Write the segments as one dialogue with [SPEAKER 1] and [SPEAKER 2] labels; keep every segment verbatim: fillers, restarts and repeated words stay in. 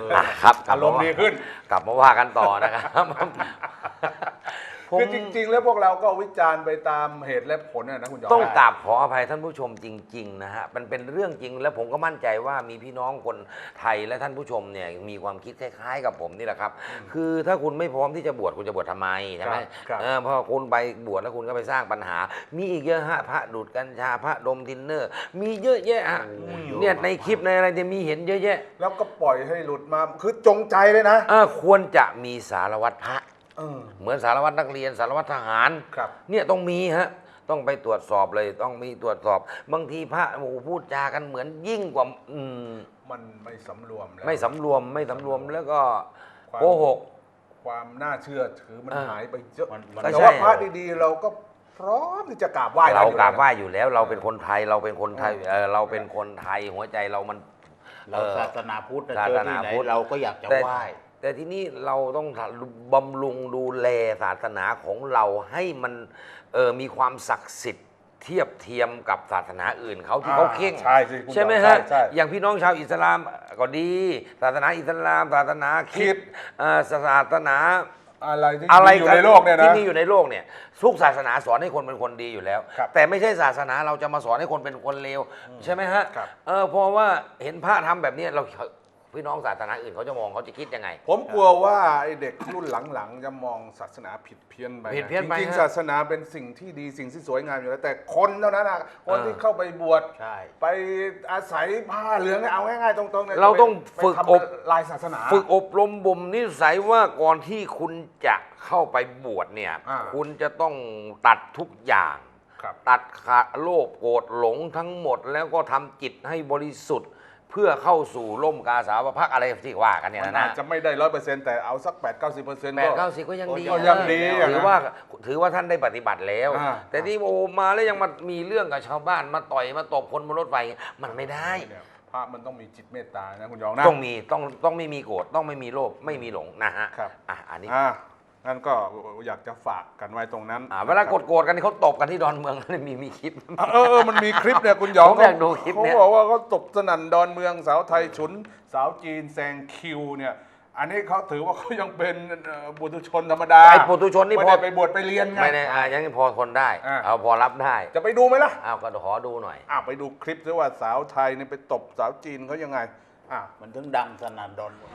[SPEAKER 1] ครับ
[SPEAKER 2] อารมณ์ดีขึ้น
[SPEAKER 1] กลับมาว่ากันต่อนะครับ
[SPEAKER 2] คือจริงๆแล้วพวกเราก็วิจารณ์ไปตามเหตุและผลนะคุณจอม
[SPEAKER 1] ต้องกราบขออภัยท่านผู้ชมจริงๆนะฮะมันเป็นเรื่องจริงและผมก็มั่นใจว่ามีพี่น้องคนไทยและท่านผู้ชมเนี่ยมีความคิดคล้ายๆกับผมนี่แหละครับคือถ้าคุณไม่พร้อมที่จะบวชคุณจะบวชทำไมใช่ไหมเออพอคุณไปบวชแล้วคุณก็ไปสร้างปัญหามีอีกเยอะฮะพระดูดกัญชาพระดมทินเนอร์มีเยอะแยะฮะเนี่ยในคลิปในอะไรจะมีเห็นเยอะแยะ
[SPEAKER 2] แล้วก็ปล่อยให้หลุดมาคือจงใจเลยนะ
[SPEAKER 1] เออควรจะมีสารวัตรพระ
[SPEAKER 2] เออ
[SPEAKER 1] เหมือนสารวัตรนักเรียนสารวัตรทหาร
[SPEAKER 2] ครับ
[SPEAKER 1] เนี่ยต้องมีฮะต้องไปตรวจสอบเลยต้องมีตรวจสอบ บางทีพระโอ้โหพูดจากันเหมือนยิ่งกว่าอืม
[SPEAKER 2] มันไม่สำรวมแล้ว
[SPEAKER 1] ไม่สำรวมไม่สำรวมแล้วก็โกหก
[SPEAKER 2] ความน่าเชื่อถือมันหายไปเยอะ
[SPEAKER 1] แต่
[SPEAKER 2] ว่าพระดีๆเราก็พร้อมที่จะกราบไหว้
[SPEAKER 1] เรากราบไหว้อยู่แล้ว เราเป็นคนไทยเราเป็นคนไทยเออเราเป็นคนไทยหัวใจเรามัน
[SPEAKER 3] เราศาสนาพุทธเจอที่ไหนเราก็อยากจะไหว้
[SPEAKER 1] แต่ที่นี่เราต้องบำรุงดูแลศาสนาของเราให้มันเออมีความศักดิ์สิทธิ์เทียบเทียมกับศาสนาอื่นเขาที่เขาเข่ง
[SPEAKER 2] ใช่สิ
[SPEAKER 1] ใช่ไหมฮะอย่างพี่น้องชาวอิสลามก็ดี ศาสนาอิสลามศาสนาคริสต์ศาสนา
[SPEAKER 2] อะไรที่
[SPEAKER 1] อยู่ในโลกเนี่ยนะที่มีอยู่ในโลกเนี่ยทุกศาสนาสอนให้คนเป็นคนดีอยู่แล้วแต่ไม่ใช่ศาสนาเราจะมาสอนให้คนเป็นคนเลวใช่ไหมฮะเออเพราะว่าเห็นพระทำแบบนี้เราพี่น้องศาสนาอื่นเขาจะมองเขาจะคิดยังไง
[SPEAKER 2] ผมกลัวว่าไอเด็กรุ่นหลังๆจะมองศาสนาผิดเพี้ยนไป
[SPEAKER 1] ผิดเพี้ยนไป
[SPEAKER 2] จริงๆศาสนาเป็นสิ่งที่ดีสิ่งที่สวยงามอยู่แล้วแต่คนเท่านั้นนะคนที่เข้าไปบวชไปอาศัยผ้าเหลืองเอาง่ายๆตรงๆเนี่ย
[SPEAKER 1] เราต้องฝึกอบ
[SPEAKER 2] ลายศาสนา
[SPEAKER 1] ฝึกอบรมบ่มนิสัยว่าก่อนที่คุณจะเข้าไปบวชเนี่ยคุณจะต้องตัดทุกอย่างตัดขาดโลภโกรธหลงทั้งหมดแล้วก็ทำจิตให้บริสุทธิ์เพื่อเข้าสู่ร่มกาสาวพักอะไรที่ว่ากันเนี่ยนะ
[SPEAKER 2] อาจจะไม่ได้ร้อยเปอร์เซ็นต์แต่เอาสักแปดเก้าสิบเปอร์เซ็นต์
[SPEAKER 1] แปดเก้าสิบก็ยังดี
[SPEAKER 2] ก็ยังดี
[SPEAKER 1] ถือว่าถือว่าท่านได้ปฏิบัติแล้วแต่ที่โอมาแล้วยังมามีเรื่องกับชาวบ้านมาต่อยมาตบคนบนรถไฟมันไม่ได้
[SPEAKER 2] พระมันต้องมีจิตเมตตานะคุณยองนะ
[SPEAKER 1] ต้องมีต้องต้องไม่มีโกรธต้องไม่มีโลภไม่มีหลงนะฮะ
[SPEAKER 2] ครับ
[SPEAKER 1] อ่ะอันนี้
[SPEAKER 2] นั่นก็อยากจะฝากกันไว้ตรงนั้น
[SPEAKER 1] เวลาโกรธๆกันเขาตบกันที่ดอนเมืองมีมีคลิป
[SPEAKER 2] เออมันมีคลิปเนี่ยคุณหยอง
[SPEAKER 1] ผมอยากดูคลิปเนี่ย
[SPEAKER 2] เขาบอกว่าเขาตบสนั่นดอนเมืองสาวไทยฉุนสาวจีนแซงคิวเนี่ยอันนี้เขาถือว่าเขายังเป็นบุตุชนธรรมดา
[SPEAKER 1] ไอ้บุตุชนนี่พอ
[SPEAKER 2] ไปบวชไปเรียนไง
[SPEAKER 1] ไม่ได้ยังพอทนได้เอาพอรับได้
[SPEAKER 2] จะไปดูไหมล่ะ
[SPEAKER 1] อ้าวก็ขอดูหน่อย
[SPEAKER 2] อ้าวไปดูคลิปซิว่าสาวไทยเนี่ยไปตบสาวจีนเขายังไงอ่ะ
[SPEAKER 3] มันถึงดังสนั่นดอนเมือง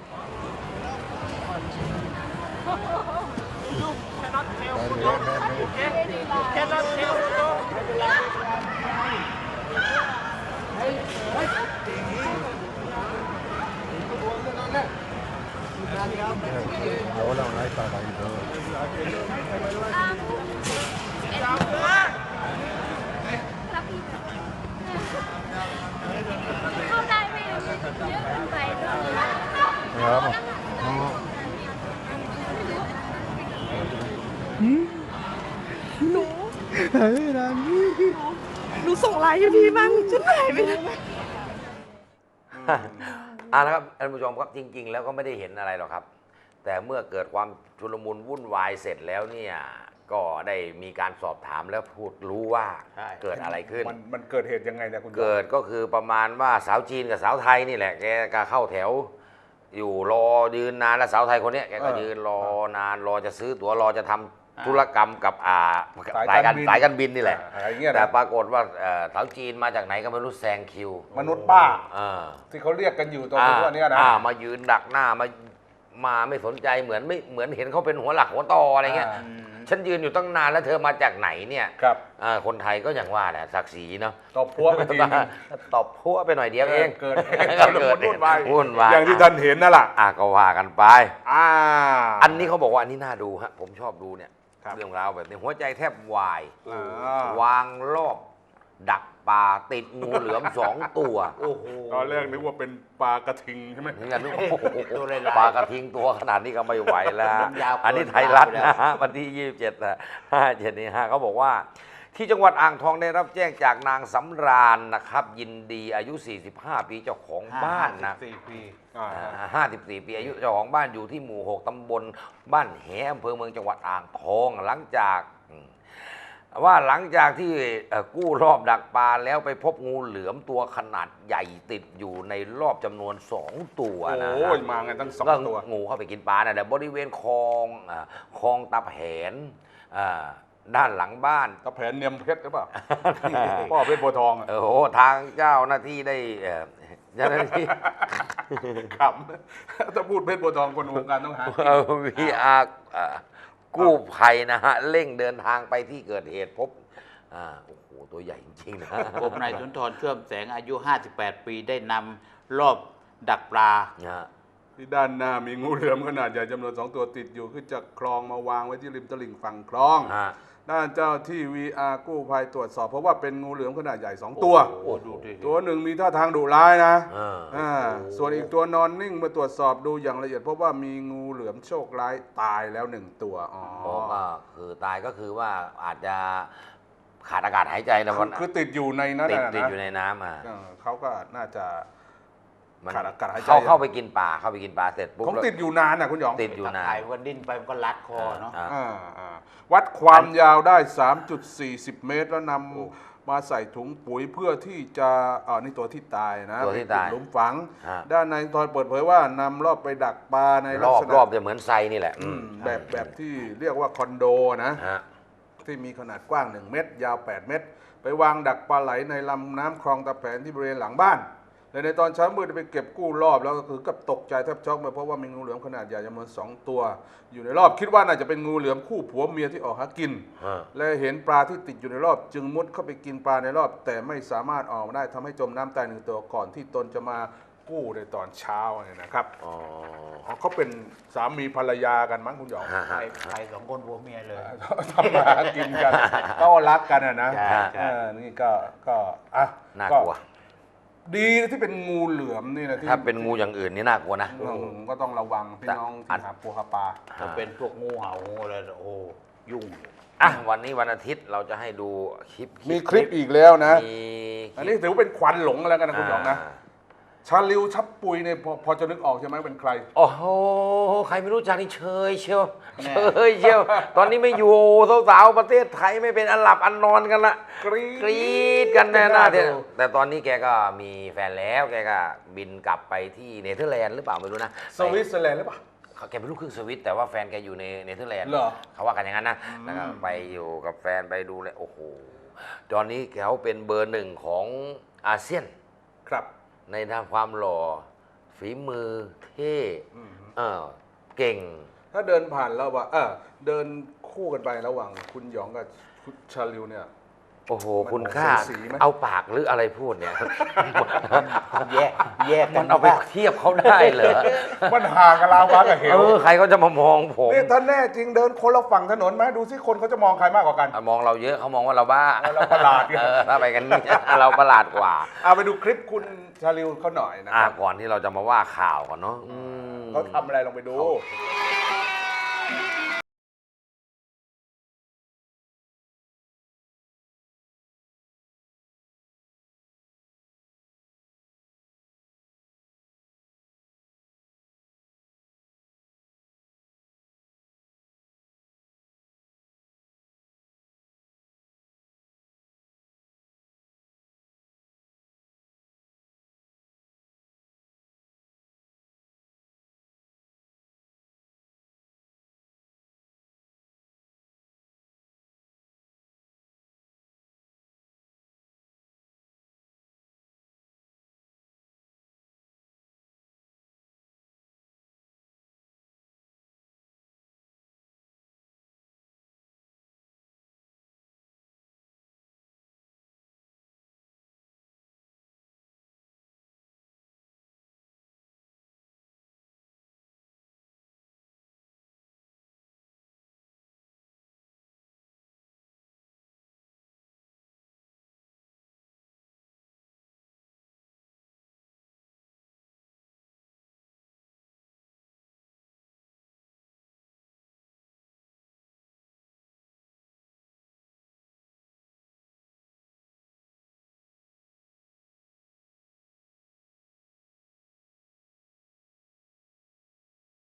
[SPEAKER 4] Cannot tell Puto. Okay? Cannot tell Puto.
[SPEAKER 5] 有兩禮拜嚟咗。
[SPEAKER 6] เข้าได้ไหมเยอะเกินไปด้วย
[SPEAKER 5] ครับ
[SPEAKER 7] หนูหายไปนานหนูส่งไลน์ให้พี่บ้างฉันหายไปนาน
[SPEAKER 1] อ่านะครับท่านผู้ชมครับจริงๆแล้วก็ไม่ได้เห็นอะไรหรอกครับแต่เมื่อเกิดความชุลมุนวุ่นวายเสร็จแล้วเนี่ยก็ได้มีการสอบถามแล้วพูดรู้ว่าเกิดอะไรขึ้น
[SPEAKER 2] มันมันเกิดเหตุยังไงนะคุณ
[SPEAKER 1] เกิดก็คือประมาณว่าสาวจีนกับสาวไทยนี่แหละแกก็เข้าแถวอยู่รอยืนนานแล้วสาวไทยคนนี้แกก็ยืนรอนานรอจะซื้อตั๋วรอจะทำธุรกรรมกับอ่าสายการสายการบินนี่แหละแต่ปรากฏว่าสาวจีนมาจากไหนก็ไม่รู้แซงคิว
[SPEAKER 2] มนุษย์ป้าที่เขาเรียกกันอยู่ตรงนี้นะ
[SPEAKER 1] มายืนดักหน้ามามาไม่สนใจเหมือนไม่เหมือนเห็นเขาเป็นหัวหลักหัวตออะไรเงี้ยฉันยืนอยู่ตั้งนานแล้วเธอมาจากไหนเนี่ย
[SPEAKER 2] ครับ
[SPEAKER 1] คนไทยก็อย่างว่าแหละศักดิ์ศรีเนาะ
[SPEAKER 2] ตบพัวไปทีนึง
[SPEAKER 1] ตบพัวไปหน่อยเดียวเอง
[SPEAKER 2] เกิด
[SPEAKER 1] เกิด
[SPEAKER 2] วุ่นวาย
[SPEAKER 1] วุ่นวาย
[SPEAKER 2] อย่างที่ท่านเห็นนั่นแหละ
[SPEAKER 1] อ่ะก็ว่ากันไป
[SPEAKER 2] อ่า
[SPEAKER 1] อันนี้เขาบอกว่าอันนี้น่าดูฮะผมชอบดูเนี่ยเรื่องราวแบบนี้หัวใจแทบวายวางรอบดักปลาติดงูเหลือมสองตัว
[SPEAKER 2] โอ้โหตอนแรกนึกว่าเป็นปลากระทิงใช่ไหม
[SPEAKER 1] ปลากระทิงตัวขนาดนี้ก็ไม่ไหวแล้วอันนี้ไทยรัฐนะฮะวันที่ยี่สิบเจ็ดนะห้าเจ็ดนี้ฮะเขาบอกว่าที่จังหวัดอ่างทองได้รับแจ้งจากนางสำราญนะครับยินดีอายุสี่สิบห้าปีเจ้าของบ้านนะห้าสิบสี่ปีอายุเจ้าของบ้านอยู่ที่หมู่หกตำบลบ้านแหอำเภอเมืองจังหวัดอ่างทองหลังจากว่าหลังจากที่เอ่อกู้รอบดักปลาแล้วไปพบงูเหลือมตัวขนาดใหญ่ติดอยู่ในรอบจำนวนสองตัวนะ
[SPEAKER 2] โอ้
[SPEAKER 1] ฮะ
[SPEAKER 2] ยมาไงตั้งสอง
[SPEAKER 1] ก็
[SPEAKER 2] ตัว
[SPEAKER 1] งูเข้าไปกินปลานะแต่บริเวณคลองอ่าคลองตาแผนอ่าด้านหลังบ้าน
[SPEAKER 2] ตะแผนเนียมเพชรหรือเปล่า พ่อเพชรโพธิ์ทองอะ
[SPEAKER 1] โอ้โหทางเจ้าหน้าที่ได้เอ่อเจ้าหน้าที่
[SPEAKER 2] ขำถ้าพูดเพชรโพธิ์ทองคนวงการต้องหา
[SPEAKER 1] วีอาร์กู้ภัยนะฮะเร่งเดินทางไปที่เกิดเหตุพบอ่าโอ้โหตัวใหญ่จริงๆนะ
[SPEAKER 3] ผมนายสุนทรเชื่อมแสงอายุ ห้าสิบแปด ปีได้นำรอบดักปลา
[SPEAKER 1] นะฮะ
[SPEAKER 2] ที่ด้านหน้ามีงูเหลือมขนาดใหญ่จำนวนสองตัวติดอยู่ขึ้นจากคลองมาวางไว้ที่ริมตลิ่งฝั่งคลอง
[SPEAKER 1] ฮะ
[SPEAKER 2] ด้านเจ้าที่ วี อาร์ กู้ภัยตรวจสอบเพราะว่าเป็นงูเหลือมขนาดใหญ่สองตัว
[SPEAKER 3] โอ้โหดูดิ
[SPEAKER 2] ตัวหนึ่งมีท่าทางดุร้ายนะ
[SPEAKER 1] อ่า
[SPEAKER 2] อ่าส่วนอีกตัวนอนนิ่งเมื่อตรวจสอบดูอย่างละเอียดพบว่ามีงูเหลือมโชคร้ายตายแล้วหนึ่งตัวอ๋อ
[SPEAKER 1] เพราะก็คือตายก็คือว่าอาจจะขาดอากาศหายใจนะ
[SPEAKER 2] คื
[SPEAKER 1] วั
[SPEAKER 2] อน คือติดอยู่ในนั้น
[SPEAKER 1] ติด
[SPEAKER 2] น่ะ
[SPEAKER 1] ติด
[SPEAKER 2] นะ
[SPEAKER 1] อยู่ในน้ำอ่ะ
[SPEAKER 2] เออเขาก็น่าจะ
[SPEAKER 1] มัน
[SPEAKER 2] ขาดอากาศหายใจ
[SPEAKER 1] เข้าเข้าไปกินปลาเข้าไปกินปลาเสร็จปุ๊บ
[SPEAKER 2] ของติดอยู่นานนะคุณหยอง
[SPEAKER 1] ติดอยู่นาน
[SPEAKER 3] ถ่ายวันดิ้นไปมันก็รัดคอเนาะ
[SPEAKER 1] อ่า
[SPEAKER 2] อ่าอ่าวัดความยาวได้ สามจุดสี่ศูนย์ เมตร แล้วนำมาใส่ถุงปุ๋ยเพื่อที่จะอ่านี่ตัวที่ตายนะ
[SPEAKER 1] ตัวที่ตาย
[SPEAKER 2] เป็นหลุมฝัง
[SPEAKER 1] ฮะ
[SPEAKER 2] ด้านในายทอยเปิดเผยว่านำรอบไปดักปลาใน
[SPEAKER 1] ร
[SPEAKER 2] ลัก
[SPEAKER 1] อบ
[SPEAKER 2] ษณะ
[SPEAKER 1] รอบจะเหมือนไซนี่แหละ
[SPEAKER 2] อืม
[SPEAKER 1] อืม
[SPEAKER 2] แบบแบบที่เรียกว่าคอนโดนะ
[SPEAKER 1] ฮะ
[SPEAKER 2] ที่มีขนาดกว้าง หนึ่ง เมตร ยาว แปด เมตร ไปวางดักปลาไหลในลำน้ำคลองตะแผนที่บริเวณหลังบ้านและในตอนเช้ามืดได้ไปเก็บกู้รอบแล้วก็คือกับตกใจแทบช็อกไปเพราะว่ามีงูเหลือมขนาดใหญ่จำนวนสองตัว อยู่ในรอบคิดว่าน่าจะเป็นงูเหลือมคู่ผัวเมียที่ออกหากิน
[SPEAKER 1] ฮะ
[SPEAKER 2] และเห็นปลาที่ติดอยู่ในรอบ จึงมุดเข้าไปกินปลาในรอบ แต่ไม่สามารถออกมาได้ทำให้จมน้ำตายหนึ่งตัวก่อนที่ตนจะมากู้ในตอนเช้าเนี่ยนะครับ
[SPEAKER 1] อ๋อ
[SPEAKER 2] อ๋อเขาเป็นสามีภรรยากันมั้งคุณหยอง
[SPEAKER 1] ฮะ
[SPEAKER 3] ใครใครสองคนผัวเมียเลย
[SPEAKER 2] ทำมาหากินกันก็รักกันอะนะ
[SPEAKER 3] ใช่ใช่
[SPEAKER 2] เออนี่ก็ก็อ่ะ
[SPEAKER 1] น่ากลัว
[SPEAKER 2] ดีที่เป็นงูเหลือมนี่นะที่
[SPEAKER 1] ถ้าเป็นงูอย่างอื่นนี่น่ากลัวนะ
[SPEAKER 2] อืมก็ต้องระวังพี่น้อง
[SPEAKER 1] อั
[SPEAKER 2] ที่
[SPEAKER 1] ด
[SPEAKER 2] หาปูหาปลา
[SPEAKER 3] ถ้าเป็นพวกงูเห่างูอะไรโอ้ยุ่ง
[SPEAKER 1] อ่ะวันนี้วันอาทิตย์เราจะให้ดูคลิป
[SPEAKER 2] มีคลิปอีกแล้วนะ
[SPEAKER 1] มีคลิป
[SPEAKER 2] อันนี้ถือว่าเป็นควันหลงแล้วกันนะคุณหยองนะ
[SPEAKER 1] า
[SPEAKER 2] ชาลิวชับปุยเนี่ยพอพอจะนึกออกใช่ไหมเป็นใคร
[SPEAKER 1] โอ้โห ใครไม่รู้จักนี่เชยเชียว
[SPEAKER 3] แน่
[SPEAKER 1] เชยเชียว ตอนนี้ไม่อยู่สาวๆประเทศไทยไม่เป็นอันหลับอันนอนกันละ
[SPEAKER 2] กรี๊ด
[SPEAKER 1] กรี๊ดกันแน่หน้า
[SPEAKER 2] ดู
[SPEAKER 1] เที่ยแต่ตอนนี้แกก็มีแฟนแล้วแกก็บินกลับไปที่เนเธอร์แลนด์หรือเปล่าไม่รู้นะ
[SPEAKER 2] สวิตเซอร์แลนด์หรือเปล่า
[SPEAKER 1] เขาแกเป็นลูกครึ่งสวิตแต่ว่าแฟนแกอยู่ในเนเธอร์แลนด์
[SPEAKER 2] เหรอ
[SPEAKER 1] เขาว่ากันอย่างนั้นนะแล้วก็ไปอยู่กับแฟนไปดูเลยโอ้โหตอนนี้เขาเป็นเบอร์หนึ่งของอาเซียน
[SPEAKER 2] ครับ
[SPEAKER 1] ในทางความหล่อฝีมือเท่เออเก่ง
[SPEAKER 2] ถ้าเดินผ่านแล้วว่าเออเดินคู่กันไประหว่างคุณหยองกับคุณชาลิวเนี่ย
[SPEAKER 1] โอ้โห
[SPEAKER 2] มัน
[SPEAKER 1] คุณค่า
[SPEAKER 2] ออกสีๆไหม
[SPEAKER 1] เอาปากหรืออะไรพูดเนี่ย
[SPEAKER 3] แยกแยกกั
[SPEAKER 1] มัน นเอาไปเทียบเขาได้เหรอ
[SPEAKER 2] มันห่างกับลาวากับเห
[SPEAKER 1] เอ
[SPEAKER 2] ว
[SPEAKER 1] อใครเขาจะมามองผม
[SPEAKER 2] นี่ถ้าแน่จริงเดินคนละฝั่งถนนไหมดูสิคนเขาจะมองใครมากกว่ากัน
[SPEAKER 1] อ่ะมองเราเยอะเขามองว่าเราบ้า
[SPEAKER 2] เราประหลาดไง
[SPEAKER 1] เออถ้าไปกันนี่ เราประหลาดกว่า
[SPEAKER 2] เอาไปดูคลิปคุณชาลิวเขาหน่อยนะ
[SPEAKER 1] อ่ะ
[SPEAKER 2] ครับ
[SPEAKER 1] ก่อนที่เราจะมาว่าข่าวก่อนเนาะอืม
[SPEAKER 2] เขาทำอะไรลองไปดู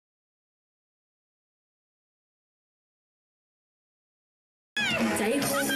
[SPEAKER 6] ใจคง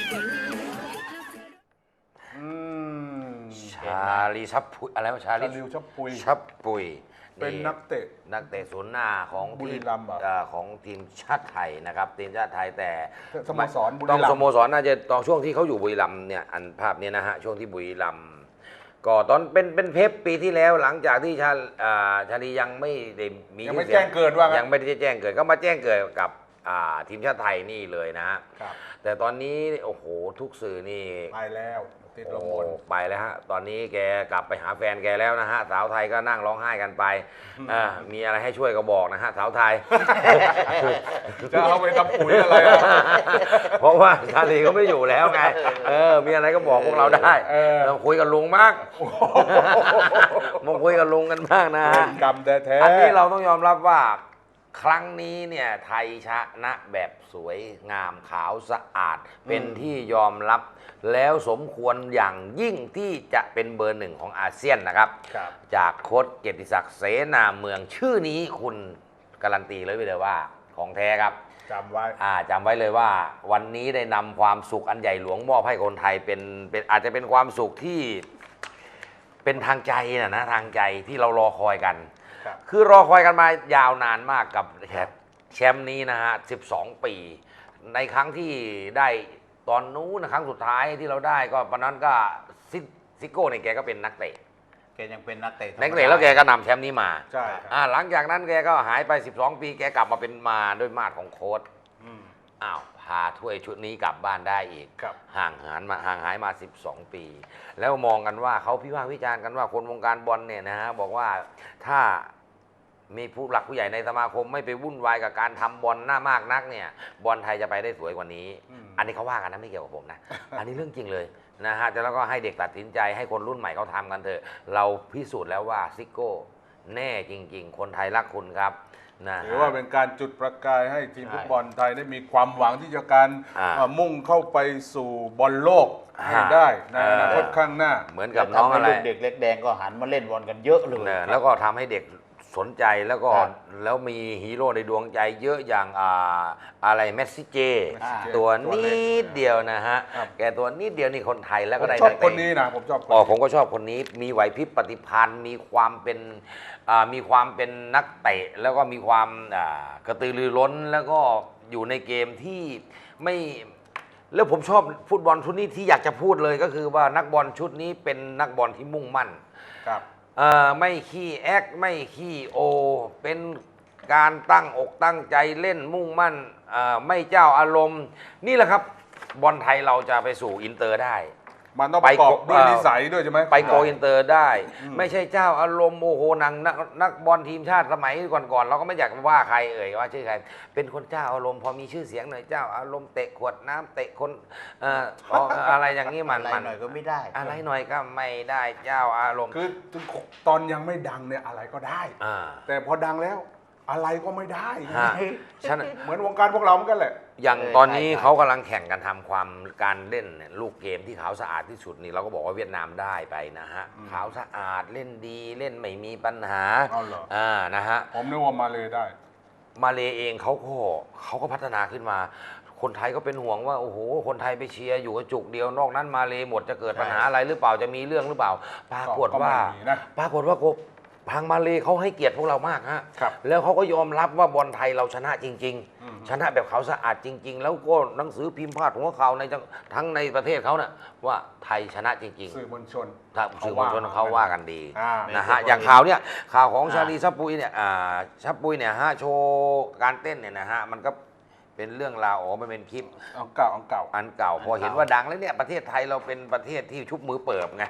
[SPEAKER 2] อืม
[SPEAKER 1] ชาลีชับปุยอะไรวะชา
[SPEAKER 2] ชา
[SPEAKER 1] ลี
[SPEAKER 2] ลิวชับปุย
[SPEAKER 1] ชับปุย
[SPEAKER 2] เป็นนักเตะ
[SPEAKER 1] นักเตะศูนย์หน้าของ
[SPEAKER 2] บุรี
[SPEAKER 1] ทีม
[SPEAKER 2] รัมย์เหรอ
[SPEAKER 1] เอ่อของทีมชาติไทยนะครับทีมชาติไทยแต่
[SPEAKER 2] สโมสรบุรี
[SPEAKER 1] ต้อง
[SPEAKER 2] รัมย์
[SPEAKER 1] สโมสรน่าจะตอนช่วงที่เขาอยู่บุรีรัมย์เนี่ยอันภาพเนี้นะฮะช่วงที่บุรีรัมย์ก็ตอนเป็นเป็นเพปปีที่แล้วหลังจากที่ชาอ่าชาลียังไม่ได้มี
[SPEAKER 2] ยังไม่
[SPEAKER 1] ชื่อเสี
[SPEAKER 2] แจ้งเกิดว่างั้น
[SPEAKER 1] ยังไม่ได้แจ้งเกิดก็มาแจ้งเกิดกับอ่าทีมชาติไทยนี่เลยนะฮะ
[SPEAKER 2] ครับ
[SPEAKER 1] แต่ตอนนี้โอ้โหทุกสื่อนี่
[SPEAKER 2] ไปแล้วติดลม
[SPEAKER 1] โอ้
[SPEAKER 2] บน
[SPEAKER 1] ไปแล้วฮะ ตอนนี้แกกลับไปหาแฟนแกแล้วนะฮะ สาวไทยก็นั่งร้องไห้กันไปอ่ามีอะไรให้ช่วยก็บอกนะฮะ สาวไทย
[SPEAKER 2] จะเอาไปทำปุ๋ยอะไรอ่ะ
[SPEAKER 1] เพราะว่าชาลีเขาไม่อยู่แล้วไง เออ มีอะไรก็บอกพวกเราได้
[SPEAKER 2] เออ
[SPEAKER 1] เราคุยกับลุงมากมาคุยกับลุงกันมากนะ
[SPEAKER 2] เว
[SPEAKER 1] ฮะ
[SPEAKER 2] รกรรมแท้ๆ
[SPEAKER 1] อันนี้เราต้องยอมรับว่าครั้งนี้เนี่ยไทยชนะแบบสวยงามขาวสะอาด เป็นที่ยอมรับแล้วสมควรอย่างยิ่งที่จะเป็นเบอร์หนึ่งของอาเซียนนะครับ
[SPEAKER 2] ครับ
[SPEAKER 1] จากโค้ชเกียรติศักดิ์เสนาเมืองชื่อนี้คุณการันตีเลยไปเลยว่าของแท้ครับ
[SPEAKER 2] จำไว้
[SPEAKER 1] อ่าจำไว้เลยว่าวันนี้ได้นำความสุขอันใหญ่หลวงมอบให้คนไทยเป็นเป็นอาจจะเป็นความสุขที่เป็นทางใจนะนะทางใจที่เรารอคอยกัน
[SPEAKER 2] ครับ
[SPEAKER 1] คือรอคอยกันมายาวนานมากกับแชมป์นี้นะฮะสิบสองปี ในครั้งที่ได้ตอนนู้นนะครั้งสุดท้ายที่เราได้ก็ตอนนั้นก็ซิซิโก้เนี่ยแกก็เป็นนักเตะ
[SPEAKER 3] แกยังเป็นนักเตะธรรม
[SPEAKER 1] นัก
[SPEAKER 3] ดา
[SPEAKER 1] เตะแล้วแกก็นำแชมป์นี้มา
[SPEAKER 2] ใช่ครับ
[SPEAKER 1] อ่าหลังจากนั้นแกก็หายไปสิบสองปีแกกลับมาเป็นมาด้วยมาดของโค้ช
[SPEAKER 2] อืม
[SPEAKER 1] อ้าวพาถ้วยชุดนี้กลับบ้านได้อีก
[SPEAKER 2] ครับ
[SPEAKER 1] ห่างหายมาห่างหายมาสิบสองปี แล้วมองกันว่าเขาพิพากษ์วิจารณ์กันว่าคนวงการบอลเนี่ยนะฮะบอกว่าถ้ามีผู้หลักผู้ใหญ่ในสมาคมไม่ไปวุ่นวายกับการทำบอลหน้ามากนักเนี่ยบอลไทยจะไปได้สวยกว่านี้
[SPEAKER 2] อืม
[SPEAKER 1] อันนี้เขาว่ากันนะไม่เกี่ยวกับผมนะ อันนี้เรื่องจริงเลยนะฮะแต่แล้วก็ให้เด็กตัดสินใจให้คนรุ่นใหม่เขาทำกันเถอะเราพิสูจน์แล้วว่าซิโก้แน่จริง ๆ คนไทยรักคุณครับนะฮะ
[SPEAKER 2] ถือว่าเป็นการจุดประกายให้ทีมฟุตบอลไทยได้มีความหวังที่จะการ
[SPEAKER 1] อ่า
[SPEAKER 2] เอ่อมุ่งเข้าไปสู่บอลโลกให้
[SPEAKER 1] อ่า
[SPEAKER 2] ได้ในอนาคต
[SPEAKER 1] เออ
[SPEAKER 2] ข้างหน้า
[SPEAKER 1] เหมือนกับน้องอะไร
[SPEAKER 3] ทำให้ลูกเด็กเล็กแดงก็หันมาเล่นบอลกันเยอะเลย
[SPEAKER 1] เนี่ยแล้วก็ทำให้เด็กสนใจแล้วก็
[SPEAKER 3] ครับ
[SPEAKER 1] แล้วมีฮีโร่ในดวงใจเยอะอย่างอ่าอะไรเมสซี่เจ
[SPEAKER 2] Messi J
[SPEAKER 1] ตัว
[SPEAKER 2] ตัวเล็
[SPEAKER 1] นิ
[SPEAKER 2] ก
[SPEAKER 1] ดเดียวนะฮะ
[SPEAKER 2] ครับ
[SPEAKER 1] แกตัวนิดเดียวนี่คนไทยแล้ว
[SPEAKER 2] ผ
[SPEAKER 1] ก็
[SPEAKER 2] ม
[SPEAKER 1] ได้
[SPEAKER 2] ชอบ
[SPEAKER 1] กเตะ
[SPEAKER 2] คนนี้นะผมชอบคน
[SPEAKER 1] อ๋อ
[SPEAKER 2] นี้
[SPEAKER 1] ผมก็ชอบคนนี้มีไหวพริบปฏิภาณมีความเป็นอ่ามีความเป็นนักเตะแล้วก็มีความอ่ากระตือรือร้นแล้วก็อยู่ในเกมที่ไม่แล้วผมชอบฟุตบอลชุดนี้ที่อยากจะพูดเลยก็คือว่านักบอลชุดนี้เป็นนักบอลที่มุ่งมั่น
[SPEAKER 2] ครับ
[SPEAKER 1] เอ่อไม่ขี้แอคไม่ขี้โอ เป็นการตั้งอกตั้งใจเล่นมุ่งมั่นเอ่อไม่เจ้าอารมณ์ นี่แหละครับบอลไทยเราจะไปสู่อินเตอร์ได้
[SPEAKER 2] มันต้องประกอบ
[SPEAKER 1] ไป
[SPEAKER 2] ด้วย
[SPEAKER 1] เอ่อ
[SPEAKER 2] นิสัยด้วยใช่ไหม
[SPEAKER 1] ไปโกอินเตอร์ได้
[SPEAKER 2] อืม
[SPEAKER 1] ไม่ใช่เจ้าอารมณ์โมโหนังนักนักบอลทีมชาติสมัยก่อนๆเราก็ไม่อยากว่าใครเอ่ยว่าชื่อใคร เป็นคนเจ้าอารมณ์พอมีชื่อเสียงหน่อยเจ้าอารมณ์เตะขวดน้ำเตะคนเอ่ออ๋ออะไรอย่างนี้มัน
[SPEAKER 3] อะไร
[SPEAKER 1] มัน
[SPEAKER 3] หน่อยก็ไม่ได้
[SPEAKER 1] อะไรหน่อยก็ไม่ได้เจ้าอารมณ์
[SPEAKER 2] คือตอนยังไม่ดังเนี่ยอะไรก็ได้
[SPEAKER 1] อ่า
[SPEAKER 2] แต่พอดังแล้วอะไรก็ไม่ได้
[SPEAKER 1] ฮะฉะนัน
[SPEAKER 2] เหมือนวงการพวกเราเหมือนกันแหละ
[SPEAKER 1] อย่าง
[SPEAKER 3] เออ
[SPEAKER 1] ตอนนี้
[SPEAKER 3] ใช่
[SPEAKER 1] เขากำลังแข่งกันทำความการเล่นเนี่ยลูกเกมที่ขาวสะอาดที่สุดนี่เราก็บอกว่าเวียดนามได้ไปนะฮะ
[SPEAKER 2] อืม
[SPEAKER 1] ขาวสะอาดเล่นดีเล่นไม่มีปัญหา
[SPEAKER 2] เอาเหรอ
[SPEAKER 1] อ่านะฮะ
[SPEAKER 2] ผมนึกว่ามาเลยได้
[SPEAKER 1] มาเลเองเขาก็เขาก็พัฒนาขึ้นมา คนไทยก็เป็นห่วงว่าโอ้โหคนไทยไปเชียร์อยู่กระจุกเดียวนอกนั้นมาเลหมดจะเกิดปัญหาอะไรหรือเปล่าจะมีเรื่องหรือเปล่า ปรากฏว่า
[SPEAKER 2] ก็ไม่มีนะ
[SPEAKER 1] ปรากฏว่าทางมาเลเขาให้เกียรติพวกเรามากฮะ
[SPEAKER 2] ครับ
[SPEAKER 1] แล้วเขาก็ยอมรับว่าบอลไทยเราชนะจริง
[SPEAKER 2] อืม
[SPEAKER 1] ๆ ชนะแบบเขาวสะอาดจริง ๆ แล้วก็หนังสือพิมพ์พาดหัวข่าวในจังทั้งในประเทศเขาน่ะว่าไทยชนะจริง
[SPEAKER 2] สื่อมวลชน
[SPEAKER 1] ๆถ้าสื่อมวลชนเขาว่ากันดี
[SPEAKER 2] อ่า
[SPEAKER 1] นะฮะอย่างข่าวเนี่ยข่าวของ
[SPEAKER 3] อ่า
[SPEAKER 1] ชาลีซับปุยเนี่ยอ่าซับปุยเนี่ยฮะโชว์การเต้นเนี่ยนะฮะมันก็เป็นเรื่องราวอ๋อมันเป็นคลิป
[SPEAKER 2] เอาเก่าเอาเก่า
[SPEAKER 1] อันเก่าพอเห็นว่าดังแล้วเนี่ยประเทศไทยเราเป็นประเทศที่ชุบมือเปิบไง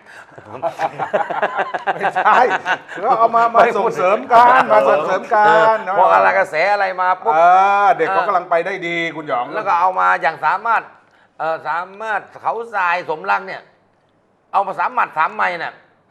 [SPEAKER 2] ไม่ใช่คือเอามามาส่งเสริมกันมาส่งเสริมกัน
[SPEAKER 1] เออพออะไรกระแสอะไรมาปุ๊บ
[SPEAKER 2] เออเด็กเขากำลังไปได้ดีคุณหยอง
[SPEAKER 1] แล้วก็เอามาอย่างสามารถเออสามารถเขาทรายสมรักเนี่ย เอามาสามหมัดสามไม้เนี่ย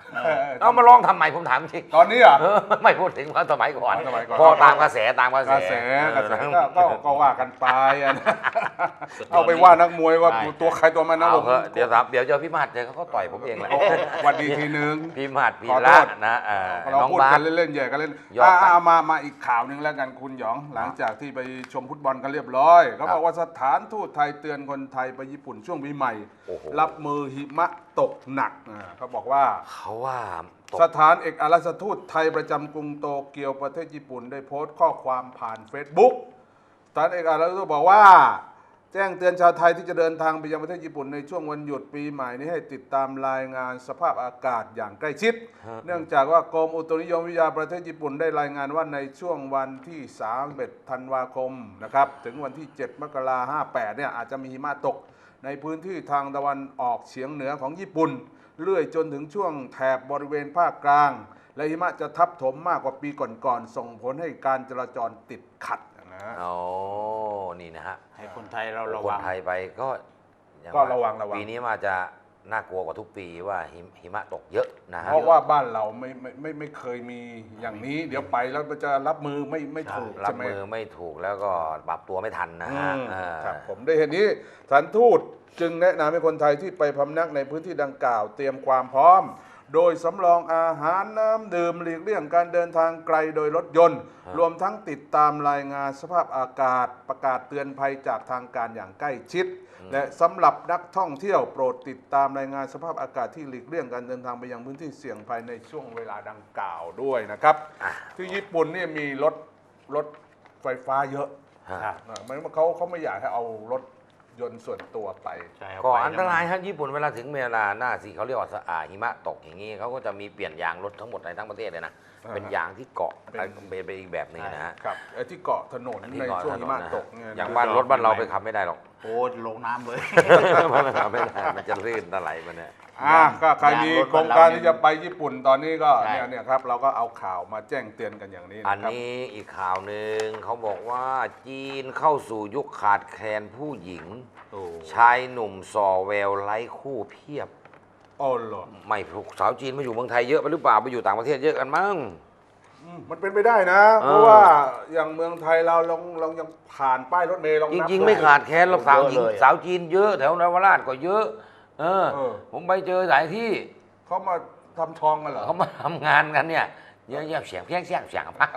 [SPEAKER 1] เอามาลองทำไมผมถามจริง
[SPEAKER 2] ตอนนี้เหรอ่ะ
[SPEAKER 1] เออไม่พูดถึงว่าสมัยก่อน
[SPEAKER 2] สมัยก่อน
[SPEAKER 1] พอตามกระแสตามกระ
[SPEAKER 2] ก
[SPEAKER 1] แส
[SPEAKER 2] ระแสกระแส
[SPEAKER 1] เออ
[SPEAKER 2] ก็ก็ก็ว่ากันไปอะนะเอาไปว่านักมวยว่า
[SPEAKER 3] ใช่
[SPEAKER 2] ตัวใครตัวมันนะ
[SPEAKER 1] เอา
[SPEAKER 2] ผม
[SPEAKER 1] เถอะเดี๋ยวครับเดี๋ยวเจอพี่มาดเจอเขาก็ต่อยผมเองแหละ
[SPEAKER 2] โอ้วันดีทีนึง
[SPEAKER 1] พี่มาดพี่
[SPEAKER 2] ขอโท
[SPEAKER 1] ละ
[SPEAKER 2] ษ
[SPEAKER 1] นะเอ่อ
[SPEAKER 2] เรา
[SPEAKER 1] น้อง
[SPEAKER 2] พูด
[SPEAKER 1] บา
[SPEAKER 2] กั
[SPEAKER 1] ส
[SPEAKER 2] นเล่นๆแย่กันเล่น
[SPEAKER 1] ยอม
[SPEAKER 2] อ่า
[SPEAKER 1] ครับ
[SPEAKER 2] อ่ามามาอีกข่าวหนึ่งแล้วกันคุณหยอง หลังจากที่ไปชมฟุตบอลกันเรียบร้อยเขาบอกว่าสถานทูตไทยเตือนคนไทยไปญี่ปุ่นช่วงปีใหม่
[SPEAKER 1] โอ้โห
[SPEAKER 2] รับมือหิมะตกหนักอ่าเขาบอกว่า
[SPEAKER 1] เขาว่าตก
[SPEAKER 2] สถานเอกอัครราชทูตไทยประจำกรุงโตเกียวประเทศญี่ปุ่นได้โพสต์ข้อความผ่าน Facebook สถานเอกอัครราชทูตบอกว่า แจ้งเตือนชาวไทยที่จะเดินทางไปยังประเทศญี่ปุ่นในช่วงวันหยุดปีใหม่นี้ให้ติดตามรายงานสภาพอากาศอย่างใกล้ชิด เนื่องจากว่ากรมอุตุนิยมวิทยาประเทศญี่ปุ่นได้รายงานว่าในช่วงวันที่สามสิบเอ็ดธันวาคมนะครับถึงวันที่เจ็ดมกราคมห้าแปดเนี่ยอาจจะมีหิมะตกในพื้นที่ทางตะวันออกเฉียงเหนือของญี่ปุ่น เรื่อยจนถึงช่วงแถบบริเวณภาคกลาง และหิมะจะทับถมมากกว่าปีก่อนๆส่งผลให้การจราจรติดขัดนะฮะ
[SPEAKER 1] โอ้นี่นะฮะ
[SPEAKER 3] ให้คนไทยเราระ
[SPEAKER 1] ค
[SPEAKER 3] วัน ง
[SPEAKER 1] ไทยไปก็อย่าง
[SPEAKER 2] ก็ระวังระวัง
[SPEAKER 1] ปีนี้มาจะน่ากลัวกว่าทุกปีว่าหิมหิมะตกเยอะนะฮะ
[SPEAKER 2] เพราะว่าบ้านเราไม่ไม่ไม่ไม่เคยมีอย่างนี้ เดี๋ยวไปแล้วมันจะรับมือไม่ไม่ถูก
[SPEAKER 1] รับ
[SPEAKER 2] ใช่ไหม
[SPEAKER 1] มือไม่ถูกแล้วก็ปรับตัวไม่ทันนะ
[SPEAKER 2] อื
[SPEAKER 1] ฮะ
[SPEAKER 2] ม
[SPEAKER 1] เออ
[SPEAKER 2] ครับผมได้เห็นนี้สถานทูตจึงแนะนำให้คนไทยที่ไปพำนักในพื้นที่ดังกล่าวเตรียมความพร้อม โดยสำรองอาหารน้ำดื่มหลีกเลี่ยงการเดินทางไกลโดยรถยนต์ รวมทั้งติดตามรายงานสภาพอากาศประกาศเตือนภัยจากทางการอย่างใกล้ชิด และสำหรับนักท่องเที่ยวโปรดติดตามรายงานสภาพอากาศที่หลีกเลี่ยงการเดินทางไปยังพื้นที่เสี่ยงภัยในช่วงเวลาดังกล่าวด้วยนะครับ
[SPEAKER 1] อ่ะ
[SPEAKER 2] ที่ญี่ปุ่นนี่มีรถรถไฟฟ้าเยอะ
[SPEAKER 1] ฮะ
[SPEAKER 2] อ่ะมันเขาเขาไม่อยากให้เอารถยนต์ส่วนตัวไป
[SPEAKER 3] ใช่เา
[SPEAKER 1] ก็
[SPEAKER 3] ไป
[SPEAKER 1] อันตรายฮะญี่ปุ่นเวลาถึงเวลาหน้าสีเขาเรียกว่าสะอาหิมะตกอย่างนี้เขาก็จะมีเปลี่ยนยางรถทั้งหมดในทั้งประเทศเลยนะ
[SPEAKER 2] อ่า
[SPEAKER 1] เป็นยางที่เกาะ
[SPEAKER 2] เป็น
[SPEAKER 1] เป็นเป็นอีกแบบหนึงนะฮะ
[SPEAKER 2] ครับไอ้ที่เกาะถนน
[SPEAKER 1] ที่
[SPEAKER 2] ใน
[SPEAKER 1] เกาะ
[SPEAKER 2] ช่วง
[SPEAKER 1] ถน
[SPEAKER 2] หิ
[SPEAKER 1] น
[SPEAKER 2] มะ
[SPEAKER 1] นะ
[SPEAKER 2] ต
[SPEAKER 1] ฮะ
[SPEAKER 2] กเนี่ย
[SPEAKER 1] อย่างบ้านรถบ้านเราไปขับไม่ได้หรอก
[SPEAKER 3] โอ้ลงน้ำเลย
[SPEAKER 1] มันขับไม่ได้มันจะลื่นตะไหลมันเนี่ย
[SPEAKER 2] อ่าก็ใครมี
[SPEAKER 3] ยางรถ
[SPEAKER 2] โครงการ
[SPEAKER 3] บ้านเรา
[SPEAKER 2] ที่จะไปญี่ปุ่นตอนนี้ก็
[SPEAKER 3] ใช่
[SPEAKER 2] เนี่ยเนี่ยครับเราก็เอาข่าวมาแจ้งเตือนกันอย่างนี้
[SPEAKER 1] อัน
[SPEAKER 2] นะครับ
[SPEAKER 1] นี้อีกข่าวหนึ่งเขาบอกว่าจีนเข้าสู่ยุคขาดแคลนผู้หญิง
[SPEAKER 3] โอ้
[SPEAKER 1] ชายหนุ่มส่อแววไร้คู่เพียบ
[SPEAKER 2] อ๋อเหรอ
[SPEAKER 1] ไม่ถูกสาวจีนมาอยู่เมืองไทยเยอะไปหรือเปล่าไปอยู่ต่างประเทศเยอะกันมั้ง
[SPEAKER 2] อืมมันเป็นไปได้นะ
[SPEAKER 1] เออ
[SPEAKER 2] เพราะว่าอย่างเมืองไทยเราลองลองยังผ่านป้ายรถเมล์ลอง
[SPEAKER 1] จ
[SPEAKER 2] นับ
[SPEAKER 1] ริง ๆ ไม่ขาดแคลนหรอกสาวหญิง
[SPEAKER 3] เยอะเลย
[SPEAKER 1] สาวจีนเยอะแถวนวราชก็เยอะ เออ
[SPEAKER 2] เออ
[SPEAKER 1] ผมไปเจอหลายที่
[SPEAKER 2] เขามาทำทองกันเหรอ
[SPEAKER 1] เขามาทำงานกันเนี่ยเยอะแยะเสียงเพี้ยงเสียงเสียงพัก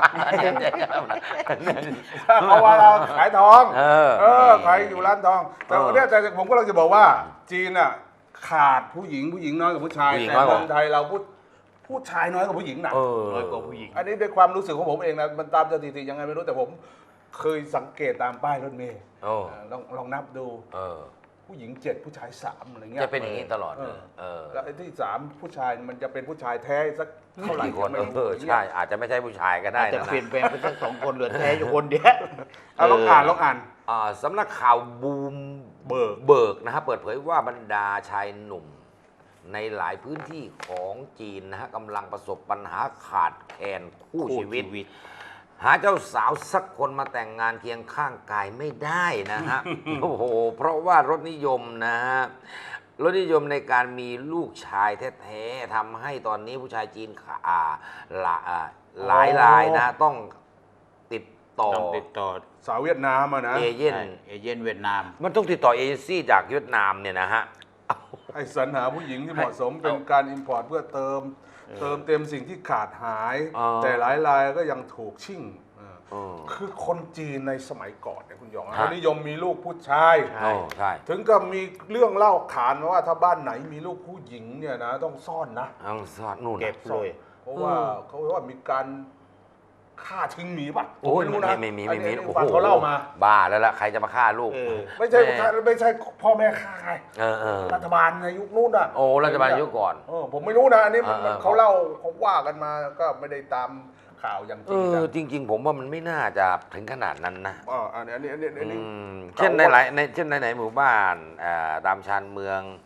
[SPEAKER 2] เพราะว่าเราขายทอง
[SPEAKER 1] เออ
[SPEAKER 2] เออขายอยู่ร้านทอง แต่
[SPEAKER 1] เออ
[SPEAKER 2] วันเนี้ยแต่ผมก็เราจะบอกว่า จีนอ่ะขาดผู้หญิงผู้หญิงน้อยกว่าผู้ชาย
[SPEAKER 1] ผู้หญิง
[SPEAKER 2] แต่
[SPEAKER 1] น้อยกว่า
[SPEAKER 2] เมืองไทยเราผู้ผู้ชายน้อยกว่าผู้หญิงนะ
[SPEAKER 1] เออ
[SPEAKER 3] น้อยกว่าผู้หญิง
[SPEAKER 2] อันนี้ด้วยความรู้สึกของผมเองนะมันตามสถิติยังไงไม่รู้แต่ผมเคยสังเกตตามป้ายรถเมล์
[SPEAKER 1] โอ้
[SPEAKER 2] เออลองลองนับดู
[SPEAKER 1] เออ
[SPEAKER 2] ผู้หญิงเจ็ดผู้ชายสามอะไรเงี้ย
[SPEAKER 1] จะเป็นอย่างนี้ตลอดเลยเออ
[SPEAKER 2] แล้วไอ้ที่สามผู้ชายมันจะเป็นผู้ชายแท้สักเท่าไหร่
[SPEAKER 1] กี่คน
[SPEAKER 2] ไม่รู้
[SPEAKER 1] เออใช่อาจจะไม่ใช่ผู้ชายก็ได้
[SPEAKER 3] อาจจะ
[SPEAKER 1] นะ
[SPEAKER 3] เปลี่ยนแปลงไปสักสองคนเหลือแท้อยู่คนเดียว
[SPEAKER 2] เอาลองอ่านลองอ่าน
[SPEAKER 1] อ่าสำนักข่าวบูม
[SPEAKER 2] เบิก
[SPEAKER 1] เบิกนะฮะเปิดเผยว่าบรรดาชายหนุ่ม ในหลายพื้นที่ของจีนนะฮะกำลังประสบปัญหาขาดแคลนคู่ชีวิต หาเจ้าสาวสักคนมาแต่งงานเคียงข้างกายไม่ได้นะฮะ โอ้โห เพราะว่ารสนิยมนะฮะ รสนิยมในการมีลูกชายแท้ๆทำให้ตอนนี้ผู้ชายจีนขาอ่าหลาอ่าหลายรายนะต้องติดต่อ
[SPEAKER 3] ต้องติดต่อ
[SPEAKER 2] สาวเวียดนามอะนะ
[SPEAKER 1] เอเย่น
[SPEAKER 3] ใช่เอเย่นเวียดนาม
[SPEAKER 1] มันต้องติดต่อเอเจนซี่จากเวียดนามเนี่ยนะฮะ
[SPEAKER 2] ให้สรรหาผู้หญิงที่เหมาะสมเป็นการอิมพอร์ตเพื่อเติม เติมเต็มสิ่งที่ขาดหาย
[SPEAKER 1] อ๋อ
[SPEAKER 2] แต่หลายรายก็ยังถูกชิ่งเออ
[SPEAKER 1] เออ
[SPEAKER 2] คือคนจีนในสมัยก่อนเนี่ยคุณหยอง
[SPEAKER 1] ฮะ
[SPEAKER 2] เขานิยมมีลูกผู้ชาย
[SPEAKER 3] ใช่
[SPEAKER 1] โอ้ใช่
[SPEAKER 2] ถึงก็มีเรื่องเล่าขานมาว่าถ้าบ้านไหนมีลูกผู้หญิงเนี่ยนะต้องซ่อนนะ
[SPEAKER 1] เอาสอดนู่น
[SPEAKER 3] เก็บเลย
[SPEAKER 2] เพราะว่าเขาว่ามีการฆ่าทิ้งหมีป่ะ
[SPEAKER 1] โอ้ย
[SPEAKER 2] ผรู้นะ
[SPEAKER 1] ไม่ไม่มีไม่มี
[SPEAKER 2] อันนี้
[SPEAKER 1] โอ้
[SPEAKER 2] ฟัง
[SPEAKER 1] โห
[SPEAKER 2] เขาเล่ามา
[SPEAKER 1] บ้าแล้วล่ะใครจะมาฆ่าลูก
[SPEAKER 3] เออ
[SPEAKER 2] ไม่ใช่
[SPEAKER 1] แม่
[SPEAKER 2] ไม่ใช่พ่อแม่ฆ่าไง
[SPEAKER 1] เออเออ
[SPEAKER 2] รัฐบาลในยุคนู้นอ่ะ
[SPEAKER 1] โอ้รัฐบาลยุคก่อน
[SPEAKER 2] เออผมไม่รู้นะอันนี้มัน
[SPEAKER 1] เออเออ
[SPEAKER 2] เขาเล่าเขาว่ากันมาก็ไม่ได้ตามข่าวอย่างจ
[SPEAKER 1] เอ
[SPEAKER 2] ริง
[SPEAKER 1] อ
[SPEAKER 2] จัง
[SPEAKER 1] จริง ๆ ผมว่ามันไม่น่าจะถึงขนาดนั้นนะ
[SPEAKER 2] อ๋ออันนี้อันนี้อันนี้อันนี้
[SPEAKER 1] อืมเช่นในหลายในเช่นในไหนหมู่บ้านอ่าตามชานเมือง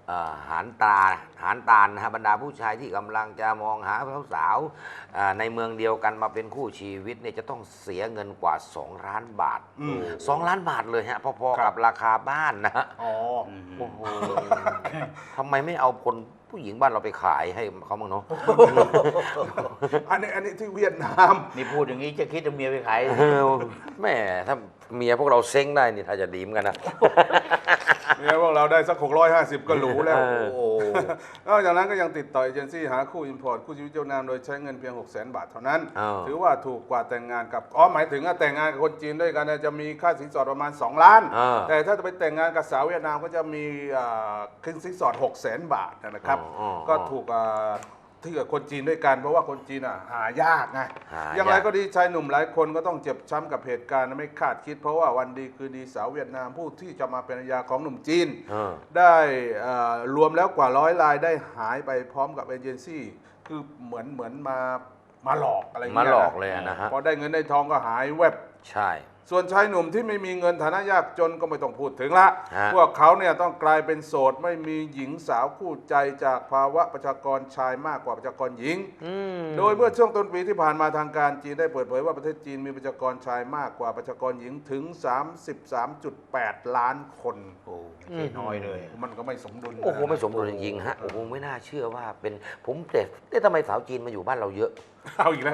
[SPEAKER 1] เอ่อหารตาหารตาลนะฮะบรรดาผู้ชายที่กำลังจะมองหาสาวๆอ่าในเมืองเดียวกันมาเป็นคู่ชีวิตเนี่ยจะต้องเสียเงินกว่าสองล้านบาท
[SPEAKER 2] อืม
[SPEAKER 1] สองล้านบาทเลยฮะพอๆ
[SPEAKER 2] ครั
[SPEAKER 1] กับบ ราคาบ้านนะฮะ
[SPEAKER 2] อ๋อ
[SPEAKER 1] โอ้โหทำไมไม่เอาคนผู้หญิงบ้านเราไปขายให้เขาบ้างเนาะ
[SPEAKER 2] อันนี้อันนี้ที่เวียดนาม
[SPEAKER 3] นี่พูดอย่างนี้จะคิดจะเมียไปขาย
[SPEAKER 1] เออแม่ถ้าเมียพวกเราเซ้งได้นี่ถ้าจะดีเหมือนกันนะ
[SPEAKER 2] เนี่ยพวกเราได้สักหกร้อยห้าสิบก็หรูแล้ว
[SPEAKER 1] เออ
[SPEAKER 2] โอ้โหนอกจากนั้นก็ยังติดต่อเอเจนซี่หาคู่อินพอร์ตคู่ชีวิตเจ้านามโดยใช้เงินเพียงหกแสนบาทเท่านั้น
[SPEAKER 1] อ้าว
[SPEAKER 2] ถือว่าถูกกว่าแต่งงานกับอ๋อหมายถึงว่าแต่งงานกับคนจีนด้วยกันเนี่ยจะมีค่าสินสอดประมาณสองล้าน
[SPEAKER 1] อ่า
[SPEAKER 2] แต่ถ้าจะไปแต่งงานกับสาวเวียดนามก็จะมีอ่าค่าสินสอดหกแสนบาทนะครับ
[SPEAKER 1] อ๋ออ๋อ
[SPEAKER 2] ก็ถูกอ่าที่กับคนจีนด้วยกันเพราะว่าคนจีนอ่ะหายากไง
[SPEAKER 1] หายาก
[SPEAKER 2] อย่างไรก็ดีชายหนุ่มหลายคนก็ต้องเจ็บช้ำกับเหตุการณ์ไม่คาดคิด เพราะว่าวันดีคือดีสาวเวียดนามผู้ที่จะมาเป็นภรรยาของหนุ่มจีน
[SPEAKER 1] เออ
[SPEAKER 2] ได้เอ่อรวมแล้วกว่าร้อยรายได้หายไปพร้อมกับเอเจนซี่คือเหมือนเหมือนมามาหลอกอะไรอย่าง
[SPEAKER 1] มา
[SPEAKER 2] เงี้ย
[SPEAKER 1] หลอกเลยอะนะฮะ
[SPEAKER 2] พอได้เงินได้ทองก็หายแวบ
[SPEAKER 1] ใช่
[SPEAKER 2] ส่วนชายหนุ่มที่ไม่มีเงินฐานะยากจนก็ไม่ต้องพูดถึงละ
[SPEAKER 1] ฮะ
[SPEAKER 2] พวกเขาเนี่ยต้องกลายเป็นโสดไม่มีหญิงสาวคู่ใจจากภาวะประชากรชายมากกว่าประชากรหญิง
[SPEAKER 1] อืม
[SPEAKER 2] โดยเมื่อช่วงต้นปีที่ผ่านมาทางการจีนได้เปิดเผยว่าประเทศจีนมีประชากรชายมากกว่าประชากรหญิงถึง สามสิบสามจุดแปด ล้านคน
[SPEAKER 3] โอ้ไม่ใช่น้อยเลย
[SPEAKER 2] มันก็ไม่สมดุลนะ
[SPEAKER 1] โอ้โหไม่สมดุลจริงๆฮะโอ้โหไม่น่าเชื่อว่าเป็นผมแต่เอ๊ะทำไมสาวจีนมาอยู่บ้านเราเยอะ
[SPEAKER 2] เอาอีกแล้ว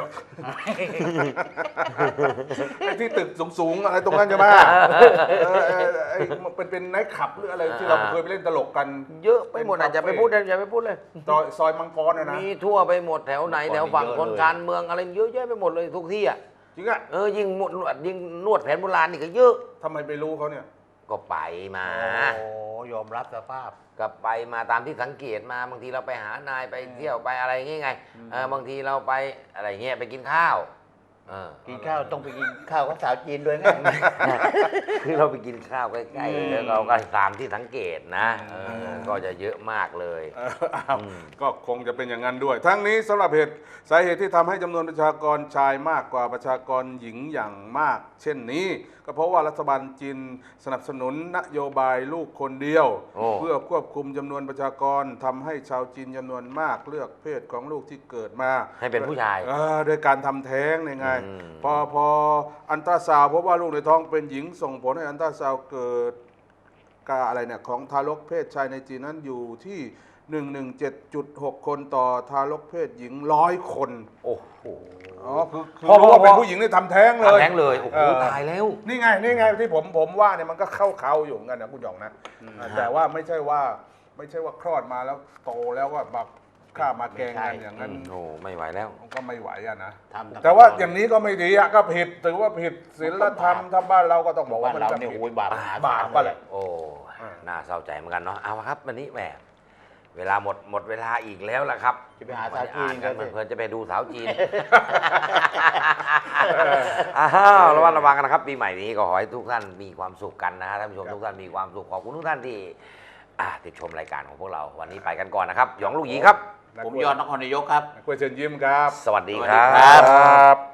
[SPEAKER 2] ไอ้ที่ตึกสูงๆอะไรตรงนั้นใช่ไหมเออเออไอ้มันเป็นเป็นไนท์คลับหรืออะไรที่เราเคยไปเล่นตลกกัน
[SPEAKER 1] เยอะไปหมดอาจจะไปพูดเลยอย่าไปพูดเลย
[SPEAKER 2] ซอยซอยมังกรนะนะ
[SPEAKER 1] มีทั่วไปหมดแถวไหนแถวฝั่งคนการเมืองอะไรเยอะแยะไปหมดเลยทุกที่อ่ะ
[SPEAKER 2] จริงอะ
[SPEAKER 1] เออยิ่งนวดยิ่งนวดแผนโบราณนี่ก็เยอะ
[SPEAKER 2] ทำไมไปรู้เขาเนี่ย
[SPEAKER 1] ก็ไปมา
[SPEAKER 3] โอ้ยอมรับสภาพ
[SPEAKER 1] ก็ไปมาตามที่สังเกตมาบางทีเราไปหานายไปเที่ยวไปอะไรอย่างเงี้ยไงเออบางทีเราไปอะไรเงี้ยไปกินข้าวเออ
[SPEAKER 3] กินข้าวต้องไปกินข้าวกับสาวจีนด้วยไง
[SPEAKER 1] คือเราไปกินข้าวใกล้ๆแล้วเราก็ตามที่สังเกตนะเออก็จะเยอะมากเลย
[SPEAKER 2] เอออ้าวก็คงจะเป็นอย่างนั้นด้วย ทั้งนี้สำหรับเหตุสาเหตุที่ทำให้จำนวนประชากรชายมากกว่าประชากรหญิงอย่างมาก เช่นนี้ ก็เพราะว่ารัฐบาลจีนสนับสนุนนโยบายลูกคนเดียว
[SPEAKER 1] โอ้
[SPEAKER 2] เพื่อควบคุมจำนวนประชากรทำให้ชาวจีนจำนวนมากเลือกเพศของลูกที่เกิดมา
[SPEAKER 1] ให้เป็นผู้ชาย
[SPEAKER 2] เออโดยการทำแท้งนี่ไง
[SPEAKER 1] อืม
[SPEAKER 2] พอพออันตราซาวด์พบว่าลูกในท้องเป็นหญิงส่งผลให้อันตราซาวด์เกิดกาอะไรเนี่ยของทารกเพศชายในจีนนั้นอยู่ที่ หนึ่งร้อยสิบเจ็ดจุดหก คนต่อทารกเพศหญิงร้อยคน
[SPEAKER 1] โอ้โห
[SPEAKER 2] อ๋อคือคือ
[SPEAKER 1] พอ
[SPEAKER 2] รู้ว่า
[SPEAKER 1] พอ
[SPEAKER 2] เป็นผู้หญิงนี่ทำแท้งเลย
[SPEAKER 1] ทำแท้งเลยโอ้โห
[SPEAKER 2] เออ
[SPEAKER 1] ตายแล้ว
[SPEAKER 2] นี่ไงนี่ไงที่ผมผมว่าเนี่ยมันก็เข้าเขาอยู่เหมือนกันนะคุณหยองนะอ่าแต่ว่าไม่ใช่ว่าไม่ใช่ว่าคลอดมาแล้วโตแล้วก็มาฆ่ามาแกล้งกันอย่างนั้น
[SPEAKER 1] โอ้ไม่ไหวแล้ว
[SPEAKER 2] มันก็ไม่ไหวอะนะ
[SPEAKER 3] ทำ
[SPEAKER 2] แต่ว่าอย่างนี้ก็ไม่ดีอะก็ผิดถือว่าผิดศีลธรรมถ้าบ้านเราก็ต้องบอก
[SPEAKER 3] บ้า
[SPEAKER 2] ว่าน มัน
[SPEAKER 3] เรา
[SPEAKER 2] จะ
[SPEAKER 3] เนี่ย
[SPEAKER 2] ผิด
[SPEAKER 3] โอ้ยบาปมหา
[SPEAKER 2] บาป
[SPEAKER 3] ศล
[SPEAKER 2] ก็แหละ
[SPEAKER 1] โอ้ น่าเศร้าใจเหมือนกันเนาะ เอาละครับ วันนี้แหม เวลาหมดหมดเวลาอีกแล้วล่ะครับ
[SPEAKER 3] จะไปหาสาวจีน
[SPEAKER 1] กั
[SPEAKER 3] กัน นสิ
[SPEAKER 1] เพลินๆจะไปดูสาวจีน อ้าวระวังระวังกันนะครับ ปีใหม่นี้ก็ขอให้ทุกท่านมีความสุขกันนะฮะท่านผู้ชมทุกท่านมีความสุข ขอบคุณทุกท่านที่อ่าติดชมรายการของพวกเรา วันนี้ไปกันก่อนนะครับ หยองลูกหยีครับ
[SPEAKER 3] ผมยอดนครนายกครับ
[SPEAKER 2] กล้วยเชิญยิ้มครับ
[SPEAKER 1] สวัสดี
[SPEAKER 3] สวัส
[SPEAKER 1] ค
[SPEAKER 3] ดี
[SPEAKER 1] รั
[SPEAKER 3] ครับ
[SPEAKER 1] บ